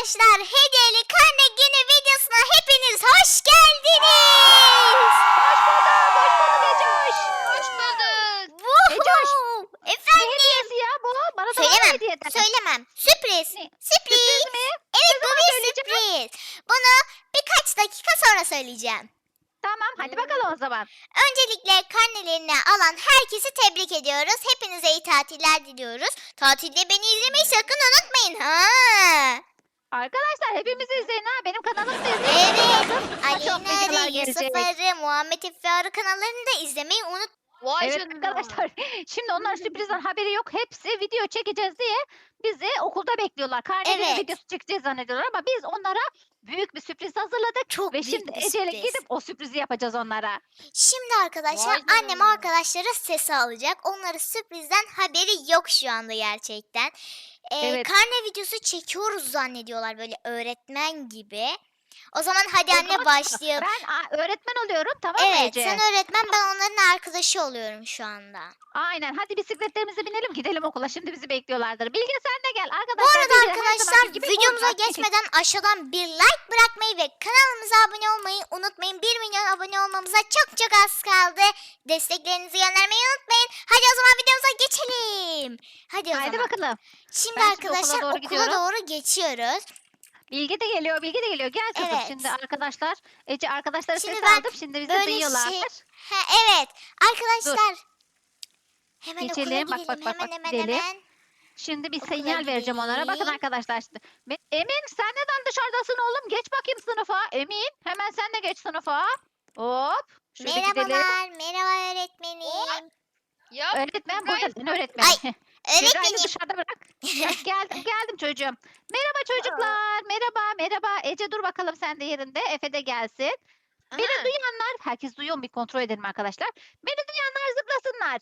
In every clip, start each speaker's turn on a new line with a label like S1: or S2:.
S1: Arkadaşlar hediyeli karne günü videosuna hepiniz hoş geldiniz.
S2: Hoş bulduk Ecoş.
S3: Hoş bulduk.
S2: Ecoş, Ne
S1: Efendim.
S2: hediyesi ya bu? Bana da var mı
S1: Söylemem.
S2: hediye eder?
S1: Söylemem. Sürpriz.
S2: Ne?
S1: Sürpriz.
S2: Sürpriz mi?
S1: Evet, bu
S2: zaman
S1: bir
S2: söyleyeceğim?
S1: sürpriz. Bunu birkaç dakika sonra söyleyeceğim.
S2: Tamam hadi bakalım o zaman.
S1: Öncelikle karnelerini alan herkesi tebrik ediyoruz. Hepinize iyi tatiller diliyoruz. Tatilde beni izlemeyi sakın unutmayın ha.
S2: Arkadaşlar hepimizi izleyin ha. Benim kanalımı da izleyin.
S1: Evet.
S2: Çok videolar
S1: Aleyna, Yusuf
S2: gelecek.
S1: Arı, Muhammed Efe Arı kanallarını da izlemeyi unut.
S3: Vay
S2: Evet
S3: canına.
S2: arkadaşlar. Şimdi onlar sürprizden haberi yok. Hepsi video çekeceğiz diye bizi okulda bekliyorlar. Karne günü
S1: Evet.
S2: videosu çekeceğiz zannediyorlar ama biz onlara büyük bir sürpriz hazırladık.
S1: Çok
S2: Ve
S1: büyük
S2: şimdi
S1: bir
S2: Ece'yle
S1: sürpriz.
S2: gidip o sürprizi yapacağız onlara.
S1: Şimdi arkadaşlar
S3: Vay
S1: annem
S3: canına.
S1: arkadaşlara sesi alacak. Onların sürprizden haberi yok şu anda gerçekten.
S2: Evet.
S1: Karne videosu çekiyoruz zannediyorlar böyle öğretmen gibi. O zaman hadi
S2: O
S1: anne
S2: zaman
S1: başlayalım.
S2: Ben öğretmen oluyorum tamam mı
S1: Evet,
S2: Ece?
S1: sen öğretmen, ben onların arkadaşı oluyorum şu anda.
S2: Aynen. Hadi bisikletlerimize binelim gidelim okula. Şimdi bizi bekliyorlardır. Bilge sen de gel.
S1: Bu
S2: Arkadaşlar
S1: arada
S2: Bilge her
S1: arkadaşlar
S2: zamanki gibi
S1: videomuza
S2: orada.
S1: geçmeden aşağıdan bir like bırakmayı ve kanalımıza abone olmayı unutmayın. 1 milyon abone olmamıza çok çok az kaldı. Desteklerinizi göndermeyi unutmayın. Hadi o zaman videomuza geçelim. Hadi o
S2: Haydi
S1: zaman.
S2: bakalım.
S1: Şimdi
S2: Ben şimdi okula
S1: arkadaşlar
S2: doğru
S1: okula
S2: gidiyorum.
S1: doğru geçiyoruz.
S2: Bilge de geliyor. Bilge de geliyor. Gel kızım
S1: Evet.
S2: şimdi arkadaşlar. Ece arkadaşlara
S1: Şimdi
S2: ses
S1: ben
S2: aldım. Şimdi bizi
S1: böyle
S2: duyuyorlar.
S1: şey- Evet arkadaşlar. Hemen
S2: Geçelim.
S1: okula
S2: Bak,
S1: gidelim.
S2: bak, bak,
S1: hemen
S2: bak,
S1: hemen
S2: gidelim.
S1: hemen.
S2: Şimdi bir
S1: Okula
S2: sinyal vereceğim onlara. Bakın
S1: gidelim.
S2: arkadaşlar. Emin sen neden dışarıdasın oğlum? Geç bakayım sınıfa. Emin hemen sen de geç sınıfa. Hop. Şöyle gidelim.
S1: Merhabalar. Merhaba öğretmenim.
S3: Ya
S2: Öğretmen
S3: Gayet-
S2: burada. Ne öğretmeni? Kübra'yı
S1: Öğretmenim.
S2: dışarıda bırak. Heh, geldim çocuğum. Merhaba çocuklar. Merhaba. Ece dur bakalım sen de yerinde. Efe de gelsin. Beni
S3: Aha.
S2: duyanlar, herkes duyuyor mu? Bir kontrol edelim arkadaşlar. Beni duyanlar zıplasınlar.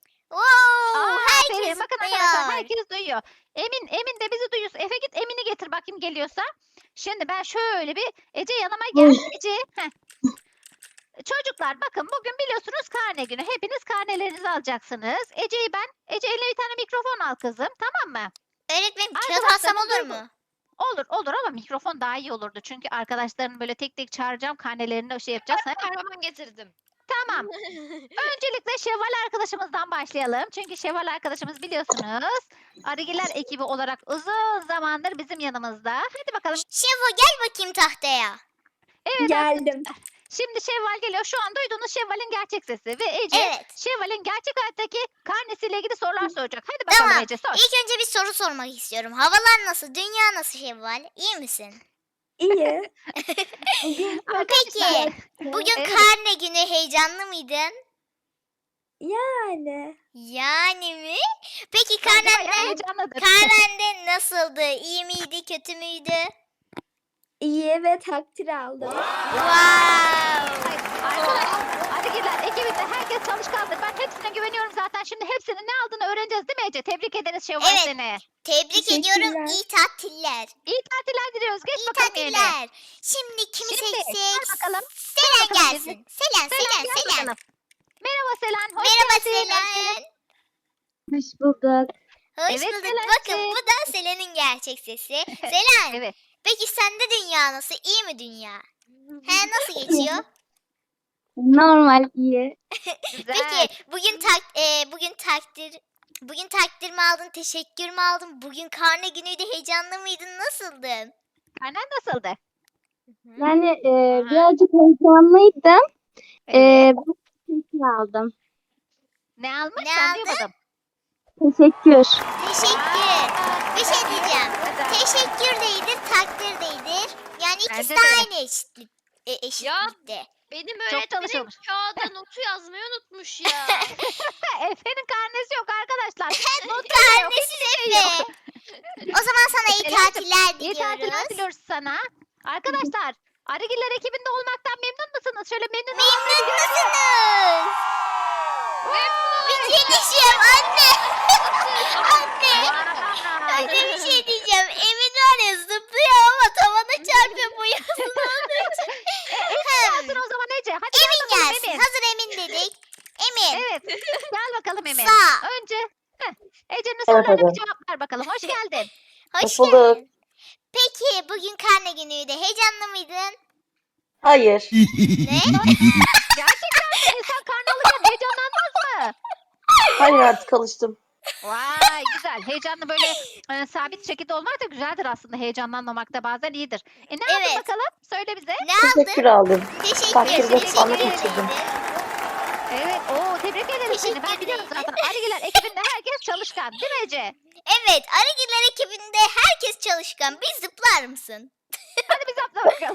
S1: Wow,
S2: Aferin.
S1: herkes
S2: Bakın arkadaşlar
S1: duyuyor.
S2: herkes duyuyor. Emin de bizi duyuyorsun. Efe git Emin'i getir bakayım geliyorsa. Şimdi ben şöyle bir Ece yanıma gel. Ece. Heh. Çocuklar bakın bugün biliyorsunuz karne günü. Hepiniz karnelerinizi alacaksınız. Ece eline bir tane mikrofon al kızım. Tamam mı?
S1: Öğretmenim kağıt
S2: Arkadaşlar,
S1: alsam olur
S2: dur.
S1: mu?
S2: Olur ama mikrofon daha iyi olurdu. Çünkü arkadaşların böyle tek tek çağıracağım karnelerini şey yapacağız. Ha?
S3: Kahraman getirdim.
S2: Tamam. Öncelikle Şevval arkadaşımızdan başlayalım. Çünkü Şevval arkadaşımız biliyorsunuz Arıgiler ekibi olarak uzun zamandır bizim yanımızda. Hadi bakalım.
S1: Şevo gel bakayım tahtaya.
S2: Evet
S4: Geldim.
S2: şimdi Şevval geliyor. Şu an duyduğunuz Şevval'in gerçek sesi. Ve Ece
S1: Evet.
S2: Şevval'in gerçek hayattaki karnesiyle ilgili sorular soracak. Hadi bakalım
S1: Tamam.
S2: Ece sor.
S1: İlk önce bir soru sormak istiyorum. Havalar nasıl? Dünya nasıl Şevval? İyi misin?
S4: İyi. Bugün
S1: Peki. Bugün
S2: Evet.
S1: karne günü, heyecanlı mıydın?
S4: yani
S1: Yani mi? Peki
S2: Bence bayağı
S1: karnende,
S2: heyecanlıdır.
S1: karnende nasıldı? İyi miydi, kötü müydü?
S4: iyi ve takdir aldım.
S1: Wow.
S2: Arkadaşlar Arıgiler ekibinde herkes çalışkandır. Ben hepsine güveniyorum zaten. Şimdi hepsinin ne aldığını öğreneceğiz değil mi Ece? Tebrik ederiz Şevval
S1: Evet.
S2: seni.
S1: Tebrik ediyorum.
S4: Teşekkürler.
S1: İyi tatiller.
S2: İyi tatiller diliyoruz. Geç
S1: İyi
S2: bakalım yerine.
S1: tatiller. Şimdi kimi
S2: Şimdi,
S1: seçsek?
S2: gel bakalım.
S1: Selen
S2: bakalım
S1: gelsin. Selen, Selen,
S2: gel
S1: Selen.
S2: bakalım. Merhaba Selen. Hoş
S1: Merhaba
S2: geldin.
S1: Selen.
S4: Hoş bulduk.
S1: Hoş
S2: Evet,
S1: bulduk.
S2: Selen'cim.
S1: Bakın bu da Selen'in gerçek sesi. Selen.
S2: Evet.
S1: Peki sende dünya nasıl? İyi mi dünya? He, nasıl geçiyor?
S4: Normal iyi.
S2: Güzel.
S1: Peki bugün takdir mi aldın? Teşekkür mü aldın? Bugün karne günüydü. Heyecanlı mıydın? Nasıldın?
S2: Karnen nasıldı?
S4: Yani
S3: Aha.
S4: birazcık heyecanlıydım.
S2: Evet.
S4: Bu teşekkür aldım.
S2: Ne almış?
S1: Ne
S2: Ben
S1: aldın?
S2: duymadım.
S4: Teşekkür.
S1: Teşekkür. Bir şey diyeceğim.
S2: Güzel.
S1: Teşekkür değildir, takdir değildir. Yani ikisi
S2: Bence
S1: de
S2: de.
S1: aynı eşitlikte.
S3: Benim
S2: Çok
S3: öğretmenim
S2: çalışıyormuş.
S3: kağıda notu yazmayı unutmuş ya.
S2: Efe'nin karnesi yok arkadaşlar.
S1: Karnesi Efe. O zaman sana iyi
S2: Selen'cim,
S1: tatiller
S2: İyi tatiller
S1: diliyoruz.
S2: diliyoruz sana. Arkadaşlar Arıgiller ekibinde olmaktan memnun musunuz? Şöyle memnun
S1: Memnun musunuz? Bitirmişim anne. Anne. Anne bir şey diyeceğim. Emin var ya zıplıyor ama tavana çarpıyor boyasını olduğu için.
S2: Gelsin o zaman Ece. Hadi gel
S1: Emin
S2: bakalım
S1: gelsin.
S2: Emin.
S1: Hazır Emin dedik. Emin.
S2: Evet. Gel bakalım Emin.
S1: Sağ.
S2: Önce Ece'nin
S5: Evet,
S2: sorularına
S5: hadi.
S2: bir cevap ver bakalım. Hoş geldin.
S1: Hoş
S5: Hoş bulduk.
S1: geldin. Peki bugün karne günüydü. Heyecanlı mıydın?
S5: Hayır.
S1: Ne?
S2: Gerçekten mi? İnsan karnı alırken heyecanlanmaz mı?
S5: Hayır, artık alıştım.
S2: Vay güzel. Heyecanlı böyle sabit şekilde olmak da güzeldir aslında. Heyecanlanmamak da bazen iyidir. Ne aldın
S1: Evet.
S2: bakalım? Söyle bize.
S1: Ne aldın?
S5: Teşekkür aldım.
S1: Teşekkür
S5: Takdir
S1: ederim.
S5: ve puanı
S1: Teşekkür
S5: geçirdim.
S1: ederim.
S2: Evet. Oo tebrik ederim seni.
S1: Teşekkür
S2: Ben biliyorum
S1: ederim.
S2: zaten. Arıgiler ekibinde herkes çalışkan. Değil mi Ece?
S1: Evet, Arıgiller ekibinde herkes çalışkan. Bir zıplar mısın?
S2: Hadi biz atla bakalım.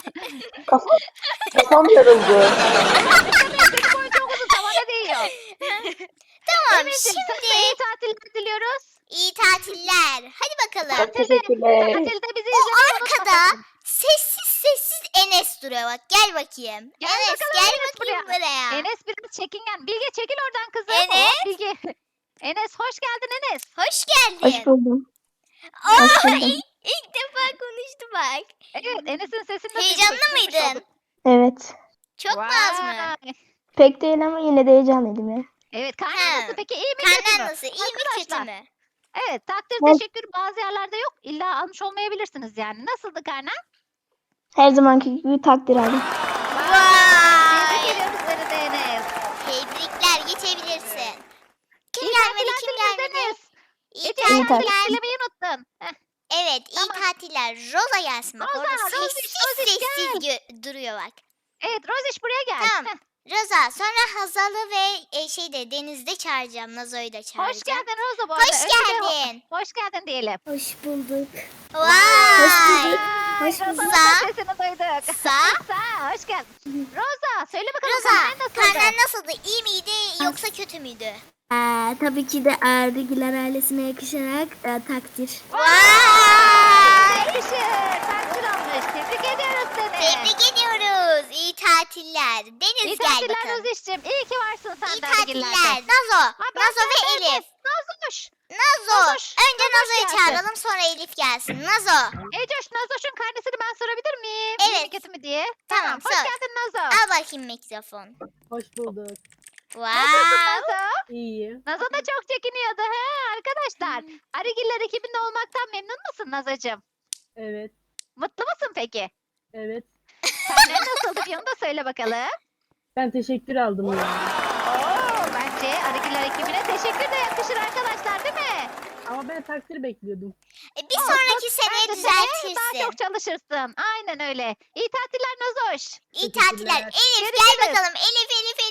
S5: Kafam yarıldı.
S2: Senin boyun çok uzun tavana değiyor.
S1: Tamam,
S2: Emin'cim sana
S1: şimdi
S2: iyi tatiller diliyoruz.
S1: iyi tatiller. Hadi bakalım.
S5: Çok teşekkürler.
S2: Tatilde bizi
S1: O
S2: izlemeyi
S1: arkada
S2: unutmasın.
S1: sessiz Enes duruyor bak. Gel bakayım.
S2: Gel
S1: Enes
S2: bakalım
S1: gel
S2: Enes
S1: bakayım buraya.
S2: Enes biraz çekingen. Bilge çekil oradan kızım.
S1: Enes.
S2: Oh, Bilge. Enes hoş geldin Enes.
S1: Hoş geldin.
S4: Hoş buldum.
S1: Aa,
S4: Hoş buldum.
S1: ilk defa konuştu bak.
S2: Evet Enes'in sesini de
S1: Heyecanlı
S2: duymuş
S1: mıydın?
S2: olduk.
S4: Evet.
S1: Çok mu az mı?
S2: Vay.
S4: Pek değil ama yine de heyecanlıydım ya.
S2: Evet karnen
S1: Ha.
S2: nasıl peki iyi mi kötü mü?
S1: Karnen nasıl? İyi mi kötü
S2: Arkadaşlar.
S1: mü?
S2: Evet takdir
S4: Evet.
S2: teşekkür bazı yerlerde yok. İlla almış olmayabilirsiniz yani. Nasıldı karnen?
S4: Her zamanki gibi takdir aldım.
S2: Tebrik
S1: Vay.
S2: ediyoruz seni de Enes.
S1: Tebrikler geçebilirsin. Kim
S2: İyi
S1: gelmedi
S2: tatiller
S1: kim
S2: dileriz
S1: gelmedi?
S2: Enes.
S1: İyi
S2: Ece
S4: İyi
S2: sen
S1: tatiller.
S4: tatiller.
S2: söylemeyi unuttun. Heh.
S1: Evet iyi
S2: Tamam.
S1: tatiller. Roza gelsin bak
S2: Roza,
S1: orada
S2: Roziş,
S1: sessiz
S2: Roziş
S1: duruyor bak.
S2: Evet Roziş buraya gel.
S1: Tamam.
S2: Heh.
S1: Roza sonra Hazal'ı ve Deniz'de çağıracağım. Nazo'yu da çağıracağım.
S2: Hoş geldin Roza bu arada.
S1: Hoş
S2: Önce de
S1: geldin.
S2: Hoş geldin diyelim.
S4: Hoş bulduk.
S1: Vay.
S4: Hoş
S2: Roza'nın
S1: bulduk.
S2: da sesini duyduk.
S1: Sa.
S2: Sa hoş geldin. Roza söyle bakalım
S1: Roza
S2: karnen nasıldı?
S1: karnen nasıldı? İyi miydi yoksa kötü müydü?
S6: Tabii ki de Arıgiler ailesine yakışarak takdir.
S1: Vay.
S2: Yakışır. Takdir almış. Tebrik ediyoruz seni.
S1: Tebrik ediyoruz. İyi tatiller. Deniz
S2: İyi
S1: gel
S2: tatiller
S1: bakalım.
S2: Roziş'cim. İyi ki varsın sen
S1: İyi
S2: de
S1: tatiller.
S2: Arıgiller'de.
S1: Nazo.
S2: Ha, ben
S1: Nazo ve
S2: sen
S1: Elif.
S2: Nazoş.
S1: Nazo.
S2: Nazoş,
S1: Önce
S2: Nazoş
S1: Nazo'yu
S2: gelsin.
S1: çağıralım sonra Elif gelsin. Nazo.
S2: Ecoş Nazoş'un karnesini ben sorabilir miyim? İyi mi
S1: Evet.
S2: kötü mü diye.
S1: Tamam,
S2: Hoş
S1: sor.
S2: geldin Nazo.
S1: Al bakayım mikrofon.
S7: Hoş bulduk.
S2: Nasılsın
S1: Wow.
S2: Nazo?
S7: İyiyim.
S2: Nazo da çok çekiniyordu he arkadaşlar. Arıgiller ekibinde olmaktan memnun musun Nazo'cum?
S7: Evet.
S2: Mutlu musun peki?
S7: Evet.
S2: Karnen nasıldı bir onu da söyle bakalım.
S7: Ben teşekkür aldım ya.
S2: Oo, bence Arıgiller ekibine teşekkür de yakışır arkadaşlar değil mi?
S7: Ama ben takdir bekliyordum.
S1: Bir sonraki seneye
S2: Bence seneye daha
S1: düzeltirsin.
S2: çok çalışırsın. Aynen öyle. İyi tatiller Nazoş.
S1: İyi
S7: Teşekkürler.
S1: tatiller. Elif
S2: Görüşürüz.
S1: gel bakalım. Elif.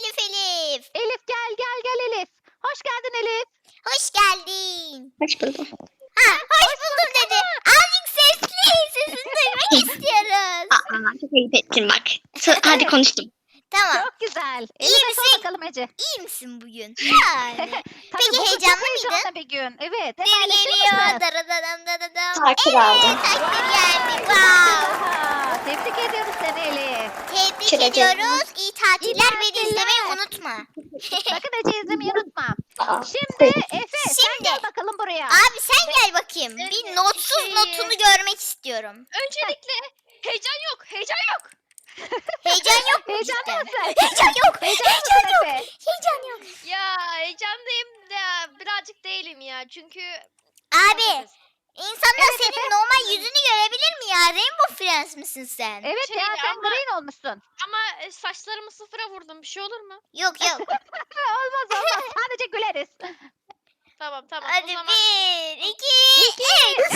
S2: Elif gel Elif. Hoş geldin Elif.
S1: Hoş geldin.
S4: Hoş buldum.
S1: Ha, hoş buldum dedi. Azıcık sesli. Sesini duymak istiyoruz.
S8: Çok ayıp ettin bak. Hadi konuştum.
S1: Tamam.
S2: Çok güzel.
S1: İyi
S2: Elif'e sor
S1: misin?
S2: bakalım Ece.
S1: İyi misin bugün? Yani.
S2: Tabii
S1: Peki,
S2: bugün çok
S1: heyecanlı mıydın?
S2: heyecanlı bir gün. Evet. Hep
S1: Bir
S2: paylaşır
S1: geliyor.
S2: mısın?
S1: Daradadam.
S5: Takdir aldım.
S1: Takdir geldi. Wow.
S2: Aha, tebrik ediyoruz seni Elif.
S1: Tebrik
S8: Şöyle
S1: ediyoruz. İyi tatiller ve
S2: tatiller.
S1: izlemeyi unutma.
S2: Sakın Ece izlemeyi unutma.
S5: Aa,
S2: Şimdi Efe sen
S1: Şimdi.
S2: gel bakalım buraya.
S1: Abi sen gel bakayım. Bir notsuz notunu görmek istiyorum.
S3: Öncelikle heyecan yok. Heyecan yok.
S1: Heyecan yok mu
S2: Heyecanlı
S1: cidden?
S2: mısın?
S1: Heyecan yok.
S2: Heyecanlı mısın Efe?
S1: Heyecan yok.
S3: Ya heyecanlıyım da birazcık değilim ya. Çünkü
S1: Abi insanlar
S2: Evet,
S1: senin
S2: Efe.
S1: normal yüzünü görebilir mi ya? Rainbow Friends misin sen?
S2: Evet
S3: Şey
S2: ya sen
S3: ama-
S2: green olmuşsun.
S3: ama saçlarımı sıfıra vurdum. Bir şey olur mu?
S1: Yok.
S2: Olmaz sadece güleriz.
S3: Tamam o
S1: Hadi
S3: zaman.
S1: 1, 2, 3.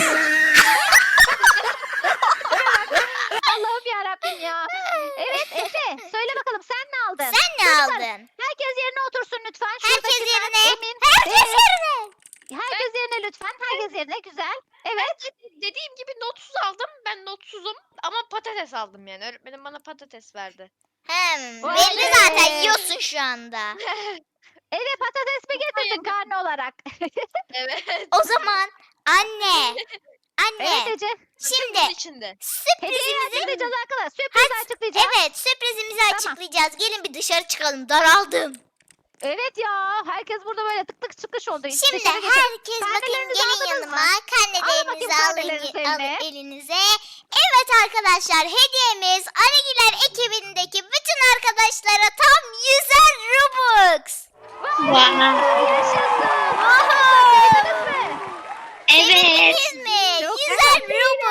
S2: Allah'ım yarabbim ya. Evet Efe söyle bakalım sen ne aldın?
S1: Sen ne aldın?
S2: Herkes yerine otursun lütfen.
S1: Herkes
S2: Şuradakiler
S1: yerine.
S2: Emin.
S1: Herkes
S2: Evet.
S1: yerine.
S2: Herkes yerine lütfen. Herkes yerine güzel. Evet.
S3: Dediğim gibi notsuz aldım. Ben notsuzum ama patates aldım yani. Öğretmenim bana patates verdi.
S2: Vay
S1: Belli
S2: be.
S1: zaten yiyorsun şu anda.
S2: Eve patates mi getirdin karne olarak?
S3: Evet.
S1: O zaman anne.
S2: Evet Ece.
S1: Şimdi
S3: Bunun içinde.
S2: Hediyeyi
S1: sürprizimizi
S2: açıklayacağız arkadaşlar. Sürprizi açıklayacağız.
S1: evet sürprizimizi
S2: Tamam.
S1: açıklayacağız. Gelin bir dışarı çıkalım. Daraldım.
S2: Evet ya. Herkes burada böyle tık tık çıkış oldu.
S1: Şimdi
S2: Dışarı geçin.
S1: herkes bakın
S2: Karnelerinizi
S1: gelin
S2: aldınız
S1: yanıma.
S2: mı? Alın bakayım
S1: Karnelerinizi
S2: karnelerinizi
S1: alın
S2: eline.
S1: elinize. Evet arkadaşlar hediyemiz Arıgiler ekibindeki bütün arkadaşlara tam 100'er Robux.
S2: Yaşasın.
S1: Oho.
S2: Sevindiniz mi?
S8: Evet.
S1: Sevindiniz mi?
S2: Çok
S1: 100'er Robux.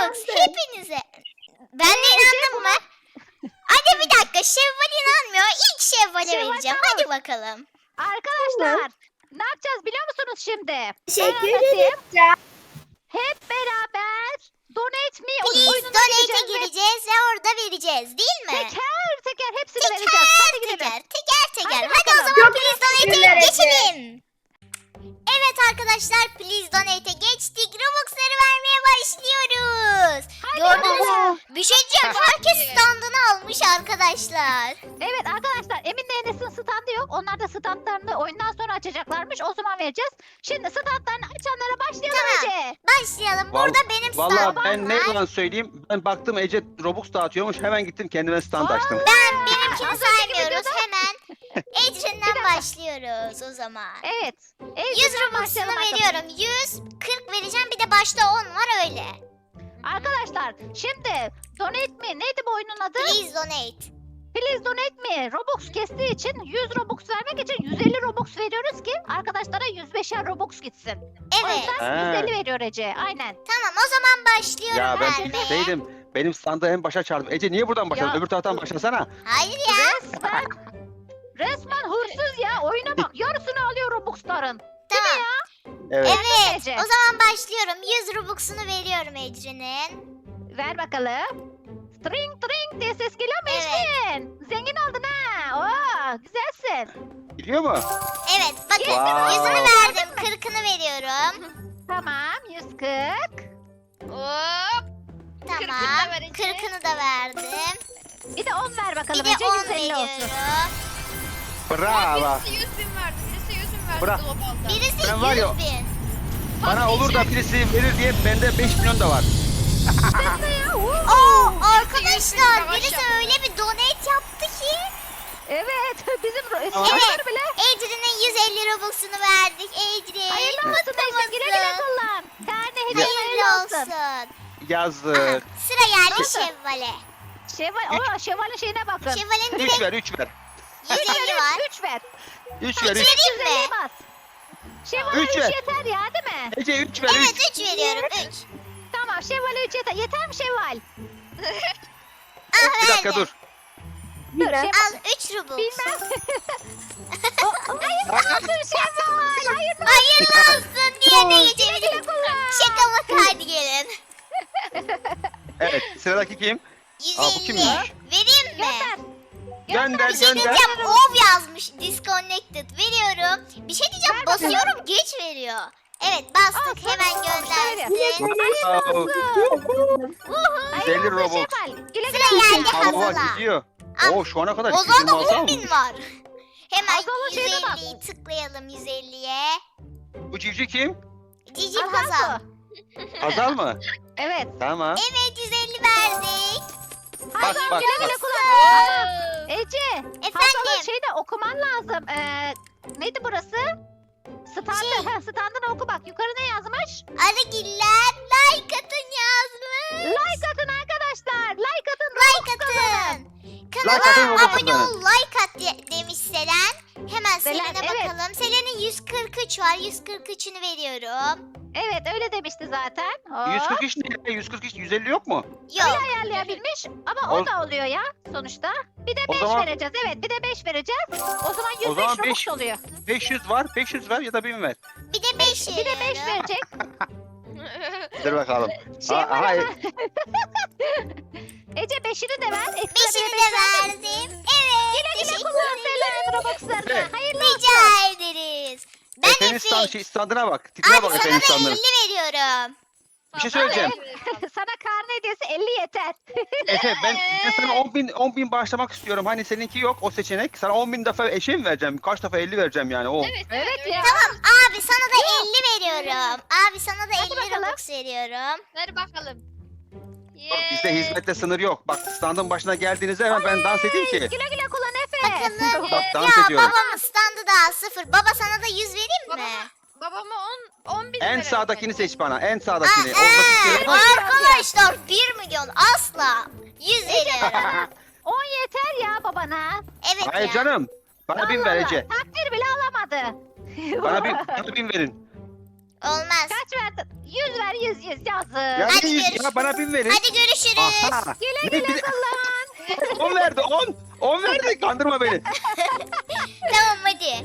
S1: Robux hepinize. Ben de inandım mı? Hadi bir dakika, Şevval inanmıyor. İlk Şevval'e
S2: Şevval
S1: vereceğim.
S2: tamam.
S1: Hadi bakalım.
S2: Arkadaşlar ne yapacağız biliyor musunuz şimdi?
S6: Teşekkür
S2: Ben anlatayım.
S6: ederim.
S2: Hep beraber Donate Me
S1: Please
S2: oyununa
S1: Donate'e
S2: gireceğiz ve
S1: gireceğiz ve orada vereceğiz değil mi?
S2: teker teker hepsini vereceğiz. Hadi gidelim.
S1: Teker.
S2: Hadi
S1: Hadi o
S2: bakalım.
S1: zaman Please Donate'e
S6: teşekkürler Ece.
S1: geçelim. Evet arkadaşlar, Please Donate'e geçtik. Robux'ları vermeye başlıyoruz. Gördünüz mü? Bir şey diyeceğim. Herkes standını almış arkadaşlar.
S2: Evet arkadaşlar Emin'le Enes'in standı yok. Onlar da standlarını oyundan sonra açacaklarmış. O zaman vereceğiz. Şimdi standlarını açanlara başlayalım
S1: Tamam.
S2: Ece.
S1: Başlayalım. Burada benim standım
S9: Vallahi ben ne
S1: var.
S9: yalan söyleyeyim. Ben baktım Ece Robux dağıtıyormuş. Hemen gittim kendime stand açtım.
S1: Benimkini
S2: Az önceki
S1: saymıyoruz.
S2: videoda-
S1: Hemen
S2: Bir
S1: Ecrin'den
S2: dakika.
S1: başlıyoruz o zaman.
S2: Evet.
S1: 100 Robux'unu veriyorum. 140 vereceğim. Bir de başta 10 var öyle.
S2: Arkadaşlar şimdi Donate Me neydi bu oyunun adı?
S1: Please donate.
S2: Please Donate Me Robux kestiği için 100 Robux vermek için 150 Robux veriyoruz ki arkadaşlara 105'er Robux gitsin. O
S1: Evet.
S2: yüzden
S9: He.
S2: 150 veriyor Ece. Aynen.
S1: Tamam o zaman başlıyorum
S9: Ya ben
S1: vermeye.
S9: bilseydim benim standı en başa çağırdım. Ece niye buradan başladın?
S2: Ya.
S9: Öbür taraftan başlasana.
S1: Hayır ya.
S2: Resmen hırsız ya. Oyuna bak. Yarısını alıyor Robux'ların.
S1: Tamam.
S9: Evet.
S1: Evet.
S2: Ece.
S1: O zaman başlıyorum. 100 Robux'unu veriyorum Ecrin'in.
S2: Ver bakalım. Tring tring diye ses geliyor mu
S1: Evet.
S2: Ecrin? Zengin oldun ha. Oo, güzelsin.
S9: Biliyor mu?
S1: Evet bakın.
S9: Wow.
S1: 100'ünü verdim. 40'ını veriyorum.
S2: Tamam 140.
S3: Hop.
S1: Tamam.
S3: ver Ece.
S1: 40'ını da verdim.
S2: Bir de 10 ver bakalım
S1: Bir de
S2: Ece
S1: 10
S2: 150 olsun.
S1: veriyorum.
S9: Bravo.
S3: Birisi 100 bin verdi. Birisi 100 bin verdi
S9: Bırak.
S3: globalda.
S1: Birisi
S9: Ben var ya-
S1: 100 bin.
S9: Bana olur da birisi verir diye bende 5 milyon da var.
S1: Oo arkadaşlar
S3: Savaş
S1: birisi
S3: yaptı.
S1: öyle bir donate yaptı ki.
S2: Evet bizim
S1: Evet.
S2: savaşlar bile.
S1: Ecrin'in 150 Robux'unu verdik. Ecrin.
S2: Hayırlı olsun Ece güle güle kullan. Karne hediye
S1: Hayırlı
S2: hayırlı olsun.
S1: olsun. Aha,
S9: Yazık.
S1: sıra geldi
S2: Nasıl?
S1: Şevval'e.
S2: Şevval'in şeyine bakın.
S1: Şevval'in
S9: 3
S1: direkt
S9: ver 3 ver.
S1: 150 var.
S2: 3 ver.
S9: 3 ver 3.
S1: Vereyim mi?
S2: 150 bas. Şevval'e
S9: Üç
S2: 3
S9: ver.
S2: yeter ya değil mi?
S9: Ece 3 ver 3.
S1: Evet 3 veriyorum 3.
S2: Tamam Şevval'e 3 yeter. Yeter mi Şevval?
S1: Ah
S9: Bir dakika
S1: verdim.
S9: dur.
S2: Dur Şevval.
S1: Al 3 Robux.
S2: Bilmem. Hayırlı olsun Şevval. Hayırlı
S1: Hayırlı olsun diye de geçebilirim.
S2: kullan.
S1: Şaka maka hadi gelin.
S9: Evet sıradaki kim? Aa, bu
S1: 150.
S9: kimmiş?
S1: Vereyim mi?
S2: Gönder.
S9: Gönder
S1: Bir şey
S9: gönder.
S1: diyeceğim. Ov yazmış. Disconnected. Veriyorum. Bir şey diyeceğim.
S2: Ver bakalım.
S1: Basıyorum geç veriyor. Evet bastık.
S2: Aa,
S1: Hemen
S2: tamam,
S1: göndersin.
S9: Wow. 150 Robux.
S2: Şevval. Güle güle.
S1: Sıra geldi
S9: Allah
S1: Hazal'a.
S9: gidiyor.
S1: Al.
S9: Oo şu ana kadar
S1: Ozan'da
S9: 226
S1: 10 bin
S9: almış.
S1: var. Hemen
S2: Hazal'a şeyine bak.
S1: 150'yi tıklayalım 150'ye.
S9: Bu civciv kim?
S1: Cici
S2: Hazal
S1: Hazal.
S2: mı?
S9: Hazal mı?
S2: Evet.
S9: Tamam.
S1: Evet 150 verdik.
S9: Bak bak
S2: Güle güle
S9: bak.
S2: kullan. Ece. Hazal'ın
S1: Efendim.
S2: şeyde okuman lazım. Neydi burası? Standı. Standını oku bak. Yukarı ne yazmış?
S1: Arıgiller like atın yazmış.
S2: Like atın arkadaşlar. Like atın.
S1: Like
S2: Robux kazanın.
S1: atın.
S9: Like atın,
S1: Kanala
S9: Robux
S1: abone
S9: kazanın.
S1: ol like at demiş Selen. Hemen
S2: Selen,
S1: Selen'e
S2: evet.
S1: bakalım. Selen'in 143 var. 143'ünü veriyorum.
S2: Evet öyle demişti zaten. Hop.
S9: 143 ne? 143 150 yok mu?
S1: Yok.
S2: Ayarlayabilmiş ama o
S9: O-
S2: da oluyor ya sonuçta. Bir de
S9: O
S2: 5
S9: zaman-
S2: vereceğiz. Evet bir de 5 vereceğiz. O zaman 105
S9: zaman
S2: Robux
S9: beş-
S2: oluyor.
S9: 500 var. 500 ver ya da 1000 ver.
S1: Bir de 5
S2: Bir de 5 verecek.
S9: Dur bakalım.
S2: Şey
S9: Aa,
S2: var
S9: hayır.
S2: ama. Ece 5'ini de ver. Ekstra
S1: 5'ini
S2: bir
S1: de
S2: beş ver.
S1: verdim. Evet.
S2: Güle
S1: Teşekkür
S2: kullan
S1: ederim.
S2: Selen Robux'larını.
S9: Evet.
S2: Hayırlı olsun.
S1: Rica ederiz. Ben
S9: Efe'nin
S1: Efe.
S9: standına bak. Tipine
S1: Abi
S9: bak
S1: sana
S9: Efe'nin
S1: da
S9: standına.
S1: 50 veriyorum.
S9: Bir şey söyleyeceğim.
S2: Sana karne hediyesi 50 yeter.
S9: Efe ben sana 10 bin bağışlamak istiyorum. Hani seninki yok o seçenek. Sana 10 bin defa eşe mi vereceğim? Kaç defa 50 vereceğim yani o.
S2: Evet ya.
S1: Tamam abi sana da 50 veriyorum. Abi sana da
S2: Hadi
S1: 50
S2: bakalım.
S1: Robux veriyorum.
S3: Ver bakalım.
S9: Bak, bizde hizmette sınır yok. Bak standın başına geldiğinizde hemen ben dans edeyim ki.
S2: Güle güle kullan Efe.
S1: Bakalım.
S9: Bak dans
S1: Ya
S9: ediyorum.
S1: babamın standı daha 0. Baba sana da 100 vereyim mi?
S3: Babama 10 bin
S9: En
S3: verelim
S9: sağdakini
S3: hadi.
S9: seç bana. En sağdakini.
S1: Aa,
S9: Oradaki şey var.
S1: arkadaşlar 1 milyon asla. 100 veriyorum.
S2: 10 yeter ya babana.
S1: Evet
S9: Hayır
S1: ya.
S9: canım. Bana 1000 ver
S2: Allah
S9: Ece.
S2: Allah, takdir bile alamadı.
S9: Bana 1000 verin.
S1: Olmaz.
S2: Kaç verdin? 100 ver 100 yazık.
S9: Ya,
S1: Hadi
S9: ne yüz
S1: görüşürüz.
S9: ya bana 1000 verin.
S1: Hadi görüşürüz.
S9: Aha.
S2: Güle
S9: Ne
S2: güle
S9: bir-
S2: kullan.
S9: 10 verdi 10. 10 verdi kandırma beni.
S1: Tamam hadi.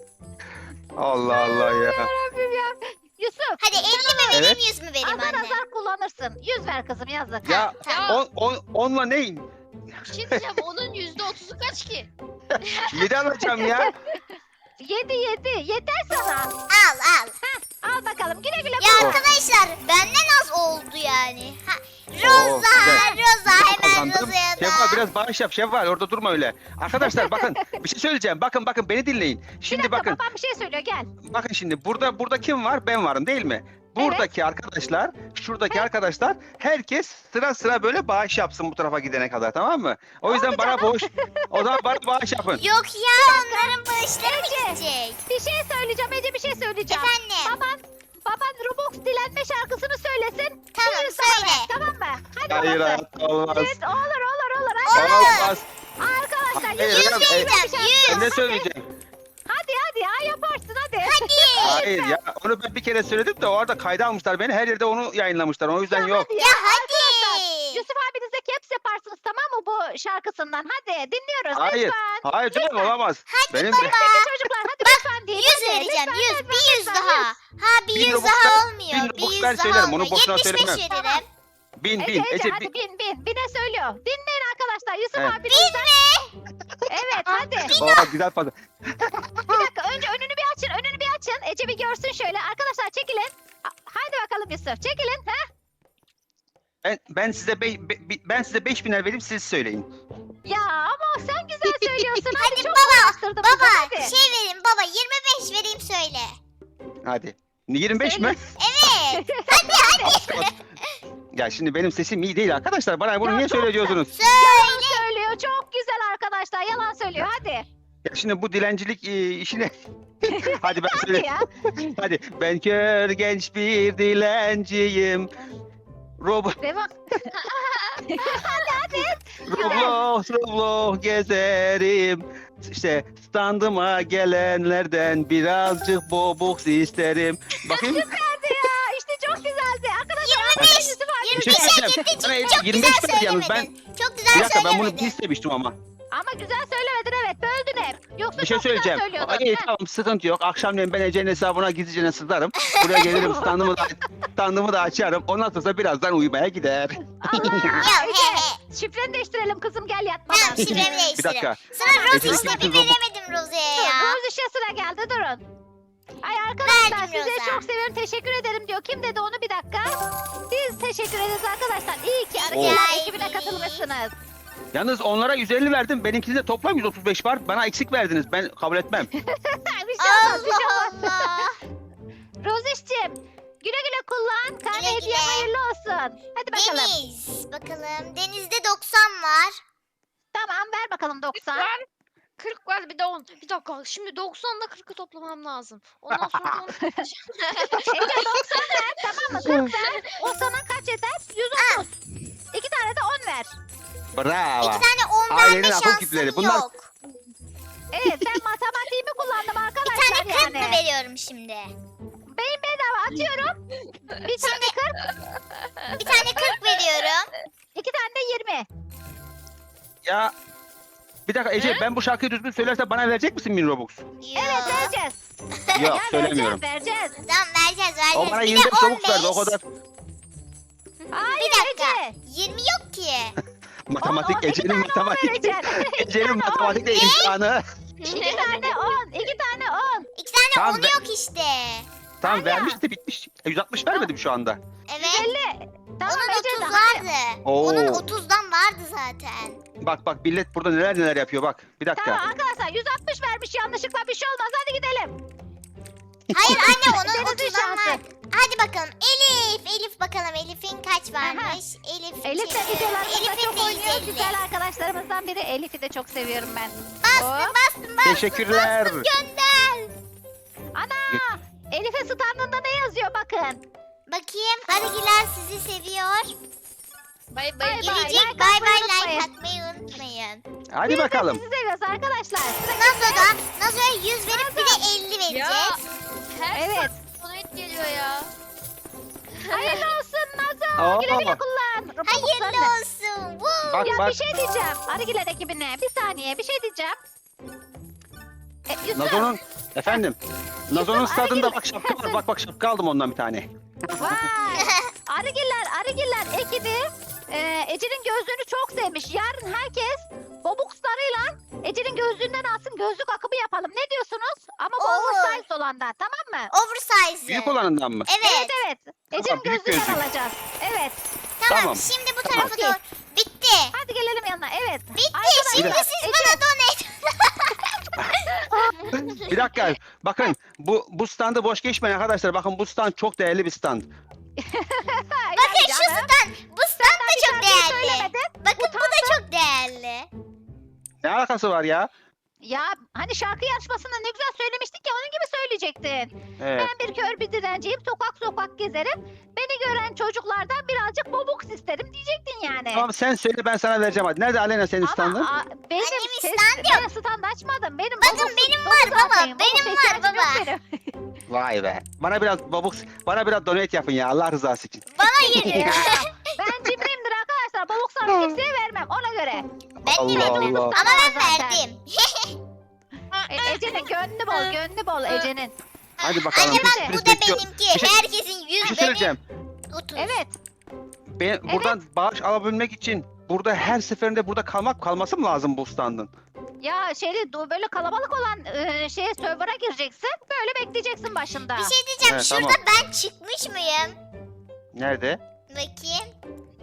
S9: Allah Allah ya.
S2: Yarabbim ya. Yusuf.
S1: Hadi 50 mi vereyim
S9: Evet.
S1: 100 mü vereyim
S2: Azar
S1: anne?
S2: azar kullanırsın. 100 ver kızım yazık.
S9: Ya
S1: Tamam.
S9: 10'la neyin?
S3: Bir şey diyeceğim onun %30'u kaç ki?
S9: 7 alacağım ya.
S2: 7 yeter sana.
S1: Al.
S2: Al bakalım güle güle
S1: Ya
S2: kullan.
S1: arkadaşlar benden az oldu yani. Ha,
S9: Oo,
S1: Roza hemen
S9: Kazandım.
S1: Roza'ya
S9: Şevval
S1: da.
S9: biraz bağış yap Şevval orada durma öyle. Arkadaşlar bakın bir şey söyleyeceğim. Bakın beni dinleyin.
S2: Bir
S9: Şimdi
S2: dakika
S9: bakın.
S2: babam bir şey söylüyor gel.
S9: Bakın şimdi burada kim var? Ben varım değil mi? Buradaki arkadaşlar, şuradaki arkadaşlar herkes sıra böyle bağış yapsın bu tarafa gidene kadar tamam mı? O yüzden bana o zaman bana bağış yapın.
S1: Yok ya onların bağışları mı gidecek?
S2: Bir şey söyleyeceğim Ece bir şey söyleyeceğim.
S1: Efendim.
S2: Baban Robux dilenme şarkısını söylesin.
S1: Tamam
S2: Buyur sana
S1: söyle.
S2: ver, tamam mı? Hadi
S9: Hayır
S2: babası.
S9: hayatta olmaz.
S2: Evet, olur. Hadi.
S9: Olmaz.
S2: Arkadaşlar
S9: Hayır,
S2: 100
S9: hocam,
S2: vereceğim.
S9: Ben ne söyleyeceğim?
S2: Hadi ya yaparsın hadi.
S9: Hayır ya onu ben bir kere söyledim de orada kayda almışlar beni. Her yerde onu yayınlamışlar. O yüzden yok.
S2: Hadi
S1: Ya hadi.
S2: Yusuf abinize caps yaparsınız tamam mı bu şarkısından? Hadi dinliyoruz
S9: Hayır.
S2: lütfen.
S9: Hayır canım olamaz. Benim
S2: Hadi çocuklar hadi lütfen diye.
S1: 100 vereceğim 100 bir 100 daha. Ha bir
S9: 1000
S1: 100
S9: Robux
S1: daha
S9: ver,
S1: olmuyor.
S9: 1000
S1: Bir
S9: Robux
S1: 100
S9: ver
S1: daha
S9: söylerim, onu
S1: olmuyor.
S9: boşuna
S1: 75
S9: söylemem.
S1: veririm.
S9: bin
S2: Ece
S9: Ece
S2: hadi bine söylüyor. Dinleyin arkadaşlar Yusuf
S9: Evet.
S2: abinizden. Evet hadi.
S9: güzel fazla.
S2: Bir dakika önce önünü bir açın. Ece bir görsün şöyle. Arkadaşlar çekilin. Hadi bakalım Yusuf çekilin. Ha?
S9: Ben size ben size 5000'er vereyim siz söyleyin.
S2: Ya ama sen güzel söylüyorsun.
S1: Hadi
S2: çok
S1: baba,
S2: uğraştırdın bizi,
S1: Baba
S2: hadi.
S1: şey vereyim baba 25 vereyim söyle.
S9: Hadi. 25 mi?
S1: Evet.
S9: Ya şimdi benim sesim iyi değil arkadaşlar. Bana bunu
S2: Ya
S9: niye
S2: çok
S9: söylüyorsunuz?
S2: Yalan söylüyor. Çok güzel arkadaşlar. Yalan söylüyor. Hadi.
S9: Ya şimdi bu dilencilik işine... Hadi ben
S2: Hadi
S9: söyleyeyim.
S2: ya.
S9: Hadi. Ben kör genç bir dilenciyim.
S2: Devam.
S9: Roblox gezerim. İşte standıma gelenlerden birazcık bobux isterim. Bakayım.
S2: Süperdi ya. İşte çok güzeldi. Arkadaşlar
S1: 25.
S2: Yusuf abi.
S9: Bir şey
S1: 25'e
S9: söyleyeceğim.
S1: gitti
S9: Bana
S1: çok
S9: 25
S1: güzel
S9: verdi yalnız.
S1: söylemedin. Çok güzel
S9: Bir dakika ben bunu
S1: söylemedin.
S9: istemiştim ama.
S2: Ama güzel söylemedin evet. Böldün hep. Yoksa
S9: Bir şey
S2: çok güzel
S9: söyleyeceğim.
S2: söylüyordun.
S9: İyi
S2: Ha.
S9: tamam sıkıntı yok. Akşamleyin ben Ece'nin hesabına gizlice sızarım. Buraya gelirim standımı da açarım. Ondan sonra birazdan uyumaya gider.
S2: Allah.
S1: Ya
S2: Ece,
S1: he he.
S2: şifreni değiştirelim kızım gel yatmadan.
S1: Tamam şifremi
S9: Bir
S1: değiştirin.
S9: dakika.
S1: Sıra Rose
S9: Ece'deki
S1: işte bir
S9: bütün robot-
S1: veremedim Rose'ye ya.
S2: Rose işe sıra geldi durun. Ay arkadaşlar
S1: Verdim
S2: size
S1: Rosa.
S2: çok seviyorum teşekkür ederim diyor. Kim dedi onu bir dakika. Biz teşekkür ederiz arkadaşlar. İyi ki
S1: Rica
S2: arkadaşlar ekibine
S1: ederim.
S2: katılmışsınız.
S9: Yalnız onlara 150 verdim. Benimkinde de toplam 135 var. Bana eksik verdiniz. Ben kabul etmem.
S2: bir şey olmaz bir şey
S1: Allah
S2: olmaz.
S1: Allah.
S2: Roziş'cim güle güle kullan. Karne
S1: Güle
S2: hediye
S1: güle.
S2: hayırlı olsun. Hadi bakalım.
S1: Deniz. Bakalım. Deniz'de 90 var.
S2: Tamam ver bakalım 90.
S3: Var. 40 var bir de 10. Bir dakika şimdi 90'la 40'ı toplamam lazım. Ondan sonra onu
S2: Ece 90 ver tamam mı? 40 ver. O sana kaç eder? 130. 2 tane de 10 ver.
S9: Bravo.
S1: 2 tane 10
S9: Ailenin
S1: verme
S9: akıl
S1: şansım
S9: küpleri. Bunlar-
S1: yok.
S2: Evet ben matematiğimi kullandım
S1: Bir
S2: arkadaşlar
S1: tane 40
S2: yani.
S1: mı veriyorum şimdi?
S2: Beyin bedava atıyorum. Bir tane 40,
S1: Bir tane 40 veriyorum.
S2: 2 tane de 20.
S9: Ya bir dakika Ece ben bu şarkıyı düzgün söylersem bana verecek misin 1000 Robux?
S2: Evet vereceğiz.
S9: Yok
S2: Ya
S9: söylemiyorum.
S2: Vereceğiz.
S1: Tamam vereceğiz
S9: O bana
S1: Bir de
S9: 25 Robux verdi o
S1: 15.
S9: kadar.
S2: Hayır
S1: Bir dakika.
S2: Ece.
S1: 20 yok ki.
S9: Matematik
S2: 2
S9: Ece'nin
S2: tane 10
S9: matematik.
S2: vereceksin.
S9: Ece'nin matematikte imtihanı.
S2: 2 tane 10. 2 tane 10.
S1: 2 tane
S9: Tamam,
S1: 10
S9: ver.
S1: yok işte.
S9: Tamam
S2: Hala.
S9: vermiş de bitmiş. 160 vermedim şu anda.
S1: Evet.
S2: 150. Tamam
S1: Onun
S2: Ece
S1: 30
S2: de.
S1: vardı.
S9: Oo.
S1: Onun 30'dan vardı zaten.
S9: Bak millet burada neler yapıyor bak. Bir dakika.
S2: Tamam arkadaşlar 160 vermiş yanlışlıkla bir şey olmaz. Hadi gidelim.
S1: Hayır anne onun
S2: Deniz'in
S1: 30'dan
S2: şansı.
S1: var. Hadi bakalım Elif bakalım Elif'in kaç varmış?
S2: Elif de videolarımızda
S1: Elif'in
S2: çok
S1: de
S2: oynuyor.
S1: 150.
S2: Güzel arkadaşlarımızdan biri. Elif'i de çok seviyorum ben.
S1: Bastım.
S9: Teşekkürler.
S1: Gönder.
S2: Ana! Elif'e standında ne yazıyor bakın.
S1: Bakayım. Arıgiler sizi seviyor.
S3: bay
S2: Bay
S3: bay.
S2: bay.
S1: Gelecek
S2: like
S1: bay
S2: atmayı
S1: bay like
S2: unutmayın.
S1: atmayı unutmayın.
S9: Hadi
S2: Biz de
S9: bakalım.
S2: sizi seviyoruz arkadaşlar.
S1: Nazo'ya 100 verip bir de 50
S3: Ya
S1: vereceğiz.
S3: her
S2: Evet.
S3: donate çok geliyor ya.
S2: Hayırlı olsun Nazo.
S9: Oo.
S2: Güle güle kullan.
S1: Hayırlı
S2: Robux'larını.
S1: olsun. Woo.
S9: Bak
S2: Ya
S9: bak.
S2: bir şey diyeceğim. Arıgiler ekibine. Bir saniye bir şey diyeceğim. Yusuf.
S9: Nazo'nun efendim. Nazo'nun
S2: Yusuf,
S9: stadında
S2: Arıgil-
S9: bak şapka var. Bak şapka aldım ondan bir tane.
S2: Vay. Arıgiller ekibi Ece'nin gözlüğünü çok sevmiş. Yarın herkes Bobukslarıyla Ece'nin gözlüğünden alsın, gözlük akımı yapalım. Ne diyorsunuz? Ama bu
S1: Olur.
S2: oversize olandan, tamam mı?
S1: Oversize.
S9: Büyük olanından mı?
S1: Evet.
S2: Evet. Ece'nin
S9: büyük
S2: gözlüğünden
S9: gözlük.
S2: alacağız. Evet.
S1: Tamam.
S9: Tamam.
S1: Şimdi bu
S9: Tamam.
S1: tarafa doğru. Bitti.
S2: Hadi gelelim yanına. Evet.
S1: Bitti.
S2: Arkadaşlar,
S1: Şimdi
S9: Bir
S1: siz
S2: Ece-
S1: bana donate.
S9: Bir dakika. Bakın bu standı boş geçmeyin arkadaşlar. Bakın bu stand çok değerli bir stand.
S1: Bakın şu stand. Bu stand da çok değerli.
S2: Söylemedin.
S1: Bakın bu da çok değerli.
S9: Ne alakası var ya?
S2: Ya hani şarkı yarışmasında ne güzel söylemiştik ya, onun gibi söyleyecektin.
S9: Evet.
S2: Ben bir kör bir direnciyim, sokak sokak gezerim. Beni gören çocuklardan birazcık bobuks isterim diyecektin yani.
S9: Tamam sen söyle ben sana vereceğim hadi. Nerede Alena senin standın?
S2: Benim
S1: Annemin
S2: ses-
S1: stand
S2: ben stand açmadım. Benim
S1: Bakın
S2: bobuksum
S1: benim
S2: dolu
S1: var baba,
S2: zaten.
S1: benim
S2: Bobuks
S1: var
S2: ihtiyacım yok
S1: baba.
S2: benim.
S9: Vay be. Bana biraz donate yapın ya Allah rızası için.
S1: Bana geliyor.
S2: Ben cimriyimdir arkadaşlar. Bobukslarımı kimseye vermem ona göre.
S1: Ben de
S9: Allah
S1: vermem.
S9: Allah.
S1: Ama ben
S2: Zaten.
S1: verdim.
S2: Ece'nin gönlü bol, gönlü bol Ece'nin.
S9: Hadi bakalım.
S1: Anne bak
S9: biz
S1: bu da
S9: bekliyor-
S1: benimki.
S9: Bir şey-
S1: Herkesin
S9: Bir
S1: 100
S9: şey
S1: benim
S9: söyleyeceğim.
S1: 30.
S2: Evet.
S9: Ben buradan bağış alabilmek için burada her seferinde burada kalması mı lazım bu standın?
S2: Ya böyle kalabalık olan server'a gireceksin. Böyle bekleyeceksin başında.
S1: Bir şey diyeceğim.
S9: Evet,
S1: Şurada
S9: tamam.
S1: ben çıkmış mıyım?
S9: Nerede?
S1: Bakayım.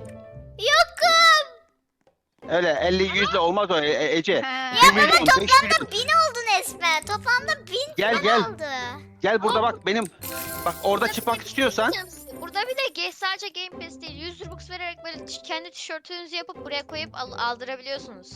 S1: Yokum.
S9: Öyle 50-100'le olmaz o Ece.
S2: Ha.
S9: 1 milyon, 5 milyon.
S1: Toplamda 1000 oldu resmen. Toplamda 1000
S9: Gel,
S1: falan
S9: gel.
S1: oldu.
S9: Gel burada bak benim. Bak orada çıkmak istiyorsan.
S3: Burada bir de sadece Game Pass değil, 100 Robux vererek böyle kendi tişörtünüzü yapıp buraya koyup aldırabiliyorsunuz.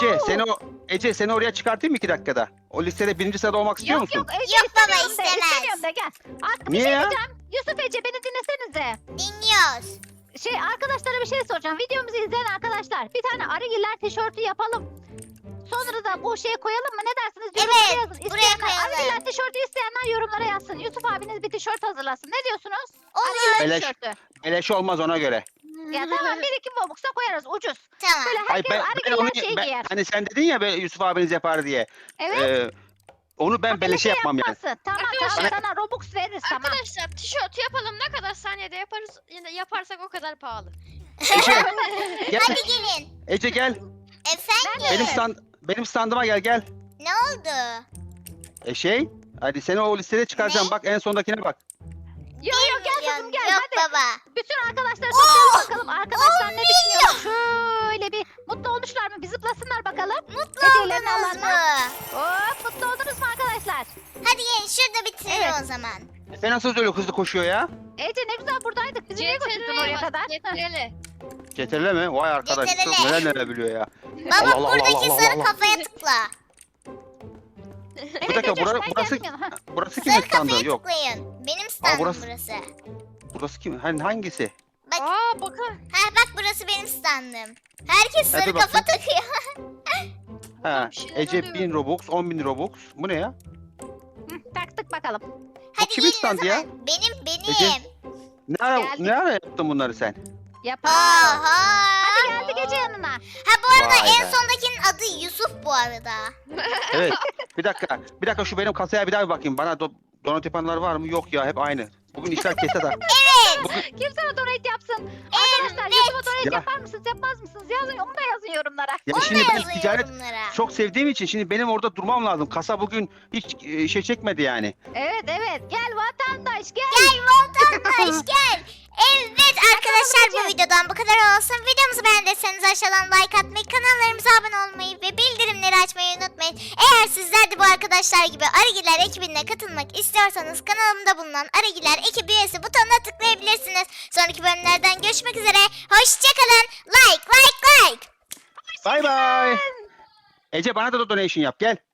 S9: Ece seni oraya çıkartayım mı 2 dakikada? O listede 1. sırada olmak istiyor
S2: Yok
S9: musun?
S2: yok Ece
S1: Yok baba,
S2: istemiyorum de,
S1: istemez.
S2: istemiyorum de gel. Bir
S9: Niye
S2: şey
S9: ya?
S2: diyeceğim. Yusuf Ece beni dinlesenize.
S1: Dinliyoruz.
S2: Arkadaşlara bir şey soracağım. Videomuzu izleyen arkadaşlar bir tane Arıgiller tişörtü yapalım. Sonra da bu şeye koyalım mı? Ne dersiniz? Yorumlara
S1: Evet,
S2: yazın.
S1: buraya
S2: İsteyenler,
S1: koyalım.
S2: Arıgiller tişörtü isteyenler yorumlara yazsın. Yusuf abiniz bir tişört hazırlasın. Ne diyorsunuz?
S1: Olur.
S2: Arıgiller
S9: Beleş.
S2: tişörtü.
S9: Beleş olmaz ona göre.
S2: Ya tamam, bir iki bobuksa koyarız ucuz.
S1: Tamam.
S2: Böyle
S9: Hayır
S2: herkes Arıgiller şey giyer.
S9: hani sen dedin ya Yusuf abiniz yapar diye.
S2: Evet.
S9: Onu ben beleşe yapmam yani.
S2: Yapması. Tamam
S3: Arkadaşlar-
S2: tamam, sana Robux veririz tamam.
S3: Arkadaşlar tişört yapalım, ne kadar saniyede yaparsak o kadar pahalı.
S9: Ece gel.
S1: Hadi gelin.
S9: Ece gel.
S1: Efendim.
S9: Benim standıma gel.
S1: Ne oldu?
S9: Hadi seni o listede çıkaracağım.
S1: Ne?
S9: Bak en sondakine bak.
S2: Yok yok gel kızım gel
S1: Yok
S2: hadi.
S1: baba.
S2: Bütün arkadaşları toplayalım bakalım. Arkadaşlar ne düşünüyor? Şöyle bir mutlu olmuşlar mı? Bir zıplasınlar bakalım.
S1: Mutlu
S2: Hediyelerini
S1: oldunuz mu?
S2: alanlar. Hop, mutlu oldunuz mu arkadaşlar?
S1: Hadi gelin şurada bitirelim
S2: Evet.
S1: o zaman.
S9: Sen nasıl öyle hızlı koşuyor ya?
S2: Ece ne güzel buradaydık. Bizi niye götürdün oraya kadar?
S3: Getireli.
S9: Ceterle mi? Vay arkadaş çok
S1: Ceterele.
S9: neler biliyor ya.
S1: Baba
S9: Allah Allah
S1: buradaki
S9: Allah
S1: sarı
S9: Allah.
S1: kafaya tıkla.
S9: Bir dakika
S2: Ece, sen
S9: burası
S2: gelmiyorsun, ha.
S9: burası kimin
S1: Sarı
S9: standı?
S1: kafaya
S9: Yok.
S1: tıklayın. Benim standım
S9: burası-
S1: burası.
S9: Burası kim? Hangisi?
S1: Bak.
S3: Aa bakın.
S1: Ha bak burası benim standım. Herkes
S9: Hadi
S1: sarı kafa takıyor.
S9: Ha,
S3: bir şeyler
S9: Ece
S3: oluyor.
S9: 1000 Robux, 10.000 Robux. Bu ne ya?
S2: Hı, taktık bakalım.
S1: Hadi
S9: kimin
S1: gelin o
S9: standı ya?
S1: zaman. Benim.
S9: Ece.
S2: Geldik.
S9: Ne ara yaptın bunları sen?
S2: Yapalım.
S1: Aha.
S2: Hadi geldik Ece yanına.
S1: Ha bu arada
S9: Vay
S1: en
S9: be.
S1: sondakinin adı Yusuf bu arada.
S9: Evet. Bir dakika şu benim kasaya bir daha bir bakayım. Bana donat yapanlar var mı? Yok ya hep aynı. Bugün işler kesat ha.
S2: Kim sana donate yapsın? Arkadaşlar YouTube'a donate
S9: Ya.
S2: yapar mısınız yapmaz mısınız? Yazın, onu da yazın yorumlara.
S9: Ya
S1: Onu da
S9: şimdi ben
S1: yazın
S9: ticaret
S1: yorumlara.
S9: çok sevdiğim için şimdi benim orada durmam lazım. Kasa bugün hiç şey çekmedi yani.
S2: Evet gel vatandaş gel.
S1: Gel vatandaş gel. Evet arkadaşlar bu videodan bu kadar olsun. Videomuzu beğendiyseniz aşağıdan like atmayı, kanallarımıza abone olmayı ve bildirimleri açmayı unutmayın. Eğer sizler de bu arkadaşlar gibi Arıgiler ekibine katılmak istiyorsanız kanalımda bulunan Arıgiler ekibi üyesi butonuna tıklayabilirsiniz. Sonraki bölümlerden görüşmek üzere. Hoşçakalın. Like.
S9: Bay bay. Ece bana da donation yap gel.